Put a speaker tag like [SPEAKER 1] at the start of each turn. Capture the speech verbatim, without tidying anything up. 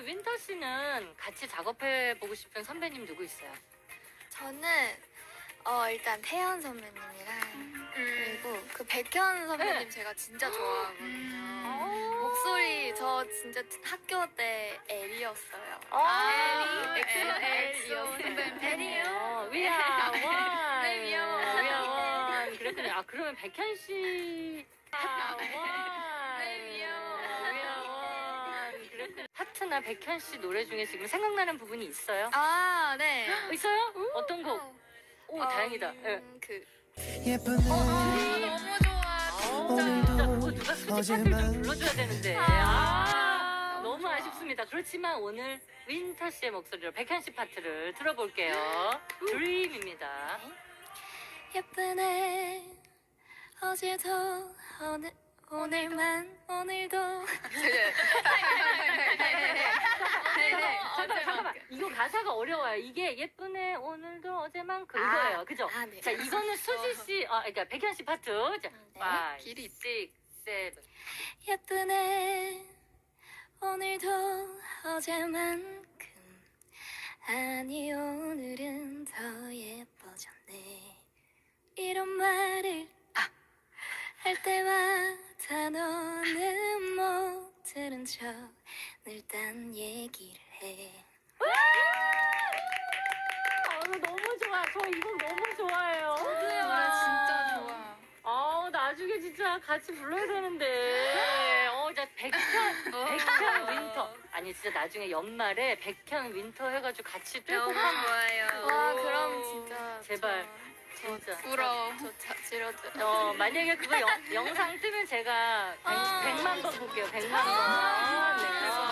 [SPEAKER 1] 우리 윈터 씨는 같이 작업해 보고 싶은 선배님 누구 있어요?
[SPEAKER 2] 저는 어 일단 태연 선배님이랑
[SPEAKER 3] 음.
[SPEAKER 2] 그리고 그 백현 선배님
[SPEAKER 1] 네.
[SPEAKER 2] 제가 진짜 좋아하거든요.
[SPEAKER 1] 음.
[SPEAKER 2] 목소리 저 진짜 학교 때 L이었어요.
[SPEAKER 1] 아,
[SPEAKER 2] L이
[SPEAKER 1] L,
[SPEAKER 2] 엑소
[SPEAKER 1] 선배님
[SPEAKER 2] 팬이에요.
[SPEAKER 1] 어, 위아 원.
[SPEAKER 2] 네, 위아 원.
[SPEAKER 1] 위아 원. 그랬군요. 아, 그러면 백현 씨. 아, 원.
[SPEAKER 2] 네, 위아 원.
[SPEAKER 1] 위아 원. 그랬군요. 하트나 백현 씨 노래 중에 지금 생각나는 부분이 있어요?
[SPEAKER 2] 아 네.
[SPEAKER 1] 있어요? 어떤 곡? 오, 다행이다. 예.
[SPEAKER 2] 음, 그
[SPEAKER 4] 예쁘네
[SPEAKER 2] 너무 좋아.
[SPEAKER 1] 아,
[SPEAKER 4] 오늘도
[SPEAKER 1] 진짜 그거 누가 수집파트를 좀 불러줘야 되는데. 아, 너무
[SPEAKER 2] 좋아.
[SPEAKER 1] 아쉽습니다. 그렇지만 오늘 윈터 씨의 목소리로 백현 씨 파트를 들어볼게요. 드림입니다.
[SPEAKER 2] 예쁘네 어제도 오늘 오늘만 오늘도 네네
[SPEAKER 1] 잠깐만, 잠깐만. 이거 가사가 어려워요. 이게 예쁘네 오늘도 어제만큼 이거예요. 그죠?
[SPEAKER 2] 아, 네.
[SPEAKER 1] 자, 이거는 수지 씨, 아, 그러니까 백현 씨 파트. 자,
[SPEAKER 2] 네.
[SPEAKER 1] five,
[SPEAKER 2] 길이
[SPEAKER 1] six, seven.
[SPEAKER 2] 예쁘네 오늘도 어제만큼 아니 오늘은 더 예뻐졌네 이런 말을 아, 할 때마다 너는 못 들은 척 늘 딴 얘기를 해
[SPEAKER 1] 아, 이거 너무 좋아. 저 이거 너무 좋아해요.
[SPEAKER 2] 노래 진짜 좋아
[SPEAKER 1] 아, 나중에 진짜 같이 불러야 되는데. 어, 자, 백현, 백현 윈터. 아니, 진짜 나중에 연말에 백현 윈터 해가지고 같이 떼고 한
[SPEAKER 2] 좋아요 와 그럼 진짜
[SPEAKER 1] 제발.
[SPEAKER 2] 저,
[SPEAKER 1] 진짜.
[SPEAKER 2] 부러워 저 자, 지러져
[SPEAKER 1] 어, 만약에 그거 영, 영상 뜨면 제가 백,
[SPEAKER 2] 아.
[SPEAKER 1] 백만 번 볼게요. 백만 번. 네.